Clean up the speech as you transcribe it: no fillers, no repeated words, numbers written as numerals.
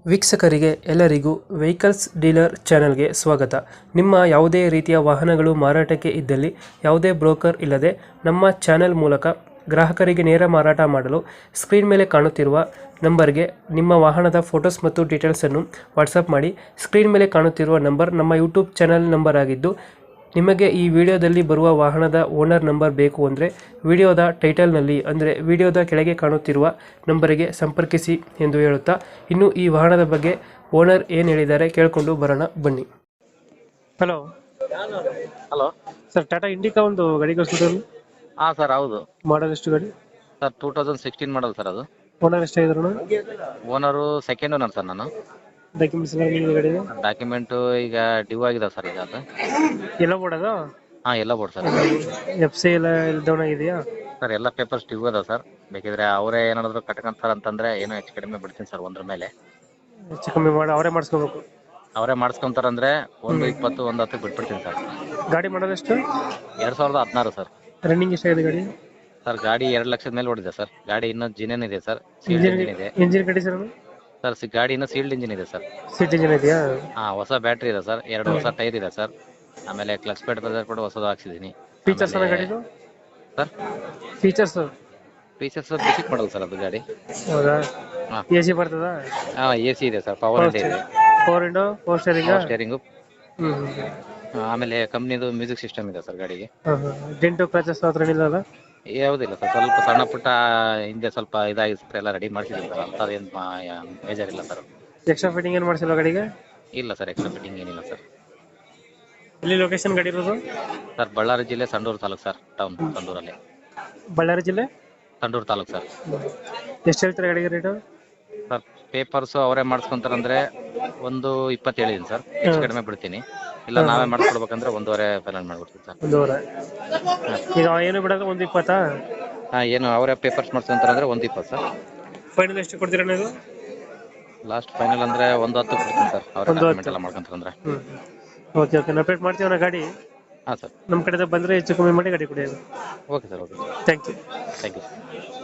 ವೀಕ್ಷಕರಿಗೆ ಎಲ್ಲರಿಗೂ vehicles dealer ಚಾನೆಲ್ಗೆ ಸ್ವಾಗತ. ನಿಮ್ಮ ಯಾವುದೇ ರೀತಿಯ ವಾಹನಗಳು ಮಾರಾಟಕ್ಕೆ ಇದ್ದಲ್ಲಿ ಯಾವುದೇ ಬ್ರೋಕರ್ ಇಲ್ಲದೆ ನಮ್ಮ ಚಾನೆಲ್ ಮೂಲಕ ಗ್ರಾಹಕರಿಗೆ ನೇರ ಮಾರಾಟ ಮಾಡಲು ಸ್ಕ್ರೀನ್ ಮೇಲೆ ಕಾಣುತ್ತಿರುವ ನಂಬರ್ಗೆ ನಿಮ್ಮ ವಾಹನದ ಫೋಟೋಸ್ ಮತ್ತು ಡೀಟೇಲ್ಸನ್ನು ವಾಟ್ಸಪ್ ಮಾಡಿ. ಸ್ಕ್ರೀನ್ ಮೇಲೆ ಕಾಣುತ್ತಿರುವ ನಂಬರ್ ನಮ್ಮ ಯೂಟ್ಯೂಬ್ ಚಾನೆಲ್ ನಂಬರ್ ಆಗಿದ್ದು, ನಿಮಗೆ ಈ ವಿಡಿಯೋದಲ್ಲಿ ಬರುವ ವಾಹನದ ಓನರ್ ನಂಬರ್ ಬೇಕು ಅಂದರೆ ವಿಡಿಯೋದ ಟೈಟಲ್ನಲ್ಲಿ ಅಂದರೆ ವಿಡಿಯೋದ ಕೆಳಗೆ ಕಾಣುತ್ತಿರುವ ನಂಬರಿಗೆ ಸಂಪರ್ಕಿಸಿ ಎಂದು ಹೇಳುತ್ತಾ, ಇನ್ನು ಈ ವಾಹನದ ಬಗ್ಗೆ ಓನರ್ ಏನು ಹೇಳಿದ್ದಾರೆ ಕೇಳಿಕೊಂಡು ಬರೋಣ ಬನ್ನಿ. Hello hello sir, Tata Indica ಒಂದು ಗಾಡಿ ಕಳಿಸ್ಬಿಟ್ಟು. ಹಾಂ ಸರ್, ಹೌದು. ಮಾಡಲ್ ಎಷ್ಟು ಗಾಡಿ? ಸರ್ 2016 ಮಾಡಲ್ ಸರ್ ಅದು. ಓನರ್ ಎಷ್ಟಾಗಿದ್ರು? ಓನರು ಸೆಕೆಂಡ್ ಓನರ್ ಸರ್ ನಾನು. ಡಾಕ್ಯುಮೆಂಟ್ಸ್ ಎಲ್ಲ ಗಾಡಿ ಡಾಕ್ಯುಮೆಂಟು ಈಗ ಡ್ಯೂ ಆಗಿದೆ ಸರ್ ಈಗ ಅದು. ಎಲ್ಲ ಬೋರ್ಡದ? ಹಾಂ, ಎಲ್ಲ ಬೋರ್ಡ್ ಸರ್. FC ಎಲ್ಲ ಡೌನ್ ಆಗಿದೆಯಾ? ಸರ್ ಎಲ್ಲ ಪೇಪರ್ಸ್ ಡ್ಯೂ ಅದ ಸರ್. ಬೇಕಿದ್ರೆ ಅವರೇ ಏನಾದ್ರು ಕಟ್ಕೊಂತಾರೆ ಅಂತಂದ್ರೆ ಏನೋ ಹೆಚ್ಚು ಕಡಿಮೆ ಬಿಡ್ತೀನಿ ಸರ್ ಒಂದ್ರ ಮೇಲೆ. ಹೆಚ್ಚು ಕಮ್ಮಿ ಮಾಡಿ ಅವರೇ ಮಾಡಿಸ್ಕೋಬೇಕು. ಅವರೇ ಮಾಡಿಸ್ಕೊಂತಾರಂದ್ರೆ 120 110 ಬಿಟ್ಬಿಡ್ತೀನಿ ಸರ್. ಗಾಡಿ ಮಾಡೋದು ಎಷ್ಟು? 2016 ಸರ್. ರನ್ನಿಂಗ್ ಎಷ್ಟಾಗಿದೆ ಗಾಡಿ? ಸರ್ ಗಾಡಿ 2 ಲಕ್ಷದ ಮೇಲೆ ಓಡಿದೆ ಸರ್. ಗಾಡಿ ಇನ್ನೂ ಜಿನೇನ್ ಇದೆ ಸರ್, ಸೀಲ್ಡ್ ಇಂಜಿನ್ ಇದೆ ಇಂಜಿನ್ ಕಂಡೀಷನ್? ಸರ್ ಗಾಡಿ ಇನ್ನೂ ಸೀಲ್ಡ್ ಇಂಜಿನ್ ಇದೆ ಸರ್. ಸೀಟ್ ಇಂಜಿನ್ ಇದೆಯಾ? ಹಾಂ, ಹೊಸ ಬ್ಯಾಟ್ರಿ ಇದೆ ಸರ್, 2 ಹೊಸ ಟೈರ್ ಇದೆ ಸರ್. ಆಮೇಲೆ ಕ್ಲಚ್ ಪ್ಯಾಡ್ ಬಜಾರ್ ಕೂಡ ಹೊಸದು ಹಾಕ್ಸಿದ್ದೀನಿ. ಫೀಚರ್ಸ್ ಎಲ್ಲ ಗಾಡಿದು sir? Features basic model sir ಅದು ಗಾಡಿ. ಹೌದಾ? ಹಾಂ. AC ಬರ್ತದಾ? ಹಾಂ, AC ಇದೆ ಸರ್, ಪವರ್ ವಿಂಡೋ ಇದೆ, 4 ವಿಂಡೋ, 4 ಸ್ಟೇರಿಂಗ್, ಸ್ಟೇರಿಂಗು. ಹ್ಮ್. ಆಮೇಲೆ ಕಂಪ್ನಿದು ಮ್ಯೂಸಿಕ್ ಸಿಸ್ಟಮ್ ಇದೆ ಸರ್ ಗಾಡಿಗೆ. ಡೆಂಟು ಕ್ರಾಚಸ್ ಹತ್ರ ಏನಿಲ್ಲ? ಯಾವುದಿಲ್ಲ ಸರ್, ಸ್ವಲ್ಪ ಸಣ್ಣ ಪುಟ್ಟ ಹಿಂದೆ ಸ್ವಲ್ಪ ಇದಾಗಿದೆ ಸರ್, ಎಲ್ಲ ರೆಡಿ ಮಾಡಿಸಿದ್ದೀನಿ ಸರ್. ಅಂಥದ್ದೇನು ಬೇಜಾರಿಲ್ಲ ಸರ್. ಎಕ್ಸ್ಟ್ರಾ ಫಿಟ್ಟಿಂಗ್ ಏನು ಮಾಡಿಸಿಲ್ಲ ಗಾಡಿಗೆ? ಇಲ್ಲ ಸರ್, ಎಕ್ಸ್ಟ್ರಾ ಫಿಟ್ಟಿಂಗ್ ಏನಿಲ್ಲ ಸರ್. ಎಲ್ಲಿ ಲೊಕೇಶನ್ ಗಾಡಿ ಇರೋದು? ಸರ್ ಬಳ್ಳಾರಿ ಜಿಲ್ಲೆ ಸಂಡೂರು ತಾಲೂಕು ಸರ್, ಟೌನ್ ಸಂಡೂರಲ್ಲಿ. ಬಳ್ಳಾರಿ ಜಿಲ್ಲೆ ಸಂಡೂರು ತಾಲೂಕು ಸರ್. ಎಷ್ಟು ಹೇಳ್ತಾರೆ ಗಾಡಿಗೆ ರೇಟು? ಸರ್ ಪೇಪರ್ಸು ಅವರೇ ಮಾಡಿಸ್ಕೊಂತಾರಂದ್ರೆ 120 ಹೇಳಿದ್ದೀನಿ ಸರ್, ಹೆಚ್ಚು ಕಡಿಮೆ ಬಿಡ್ತೀನಿ. ಇಲ್ಲ ನಾವೇ ಮಾಡಿಸ್ಕೊಡ್ಬೇಕಂದ್ರೆ 1.5 ಫೈನಲ್ ಮಾಡ್ಬಿಡ್ತೀನಿ ಸರ್. 1.5? ಈಗ ಏನು ಬಿಡೋದು 120? ಹಾಂ, ಏನು ಅವರೇ ಪೇಪರ್ಸ್ ಮಾಡಿಸ್ಕೊಂತಾರಂದ್ರೆ 120 ಸರ್. ಫೈನಲ್ ಎಷ್ಟು ಕೊಡ್ತೀರಾ ನೀವು? ಲಾಸ್ಟ್ ಫೈನಲ್ ಅಂದ್ರೆ 110 ಕೊಡ್ತೀನಿ ಸರ್, ಅವರೇ ಡಾಕ್ಯುಮೆಂಟ್ ಎಲ್ಲ ಮಾಡ್ಕೊಂತಾರಂದ್ರೆ. ಓಕೆ ಓಕೆ, ನಾವು ಅಪ್ಡೇಟ್ ಮಾಡ್ತೀವಿ ನಾ ಗಾಡಿ. ಹಾಂ ಸರ್, ನಮ್ಮ ಕಡೆಯಿಂದ ಬಂದರೆ ಹೆಚ್ಚು ಕಮ್ಮಿ ಮಾಡಿ ಗಾಡಿ ಕೊಡಿ. Okay sir, okay. Thank you. Thank you.